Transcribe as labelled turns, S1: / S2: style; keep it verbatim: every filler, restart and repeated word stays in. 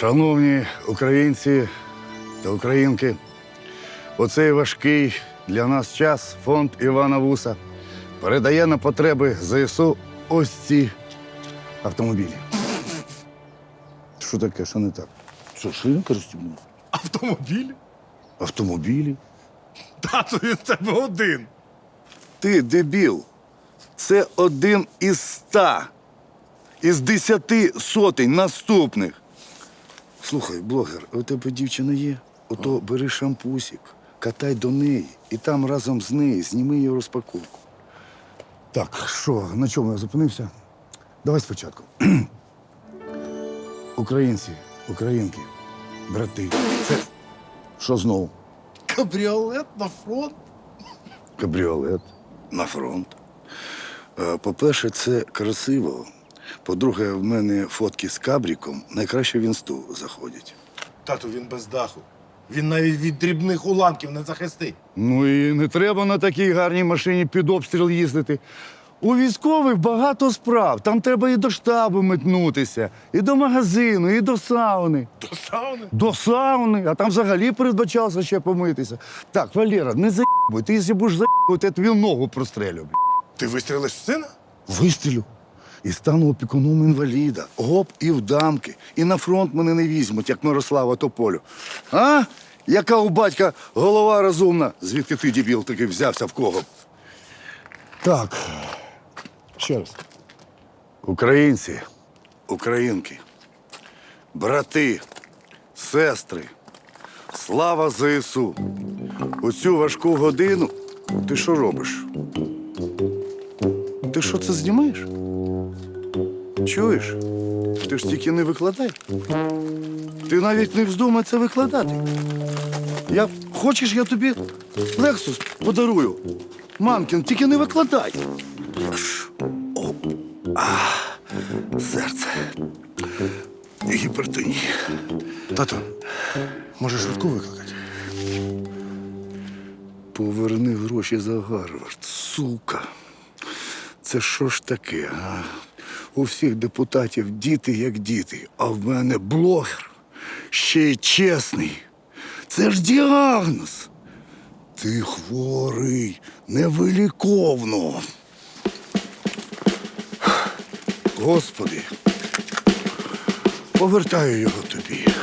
S1: Шановні українці та українки, у цей важкий для нас час фонд Івана Вуса передає на потреби ЗСУ ось ці автомобілі. Що таке, що не так? Що, шинка розтібнула?
S2: Автомобіль?
S1: Автомобілі?
S2: Тату, він в тебе один.
S1: Ти, дебіл, це один із ста, із десяти сотень наступних. Слухай, блогер, у тебе дівчина є? Ото бери шампусик, катай до неї і там разом з нею зніми її розпаковку. Так, що, на чому я зупинився? Давай спочатку. Українці, українки, брати, це що знову?
S2: Кабріолет на фронт?
S1: Кабріолет на фронт. Е, По-перше, це красиво. По-друге, в мене фотки з кабріком найкраще в інсту заходять.
S2: Тату, він без даху. Він навіть від дрібних уламків не захистить.
S1: Ну і не треба на такій гарній машині під обстріл їздити. У військових багато справ. Там треба і до штабу метнутися, і до магазину, і до сауни.
S2: До сауни?
S1: До сауни, а там взагалі передбачалося ще помитися. Так, Валера, не заїбуй. Ти, якщо будеш заїбувати, я тобі ногу прострелю.
S2: Ти вистрілиш в сина?
S1: Вистрілю. І стану опікуном інваліда. Гоп, і в дамки. І на фронт мене не візьмуть, як Мирослава Тополю. А? Яка у батька голова розумна? Звідки ти, дебіл, таки взявся в кого? Так. Ще раз. Українці, українки, брати, сестри, слава ЗСУ. У цю важку годину ти що робиш? Ти що це знімаєш? Чуєш? Ти ж тільки не викладай. Ти навіть не вздумай це викладати. Я, хочеш, я тобі Лексус подарую. Мамкін, тільки не викладай. О, а, серце. Гіпертонія.
S2: Тату, може швидку викликати?
S1: Поверни гроші за Гарвард, сука. Це що ж таке, а? У всіх депутатів діти як діти, а в мене блогер, ще й чесний. Це ж діагноз. Ти хворий, невиліковно. Господи, повертаю його тобі.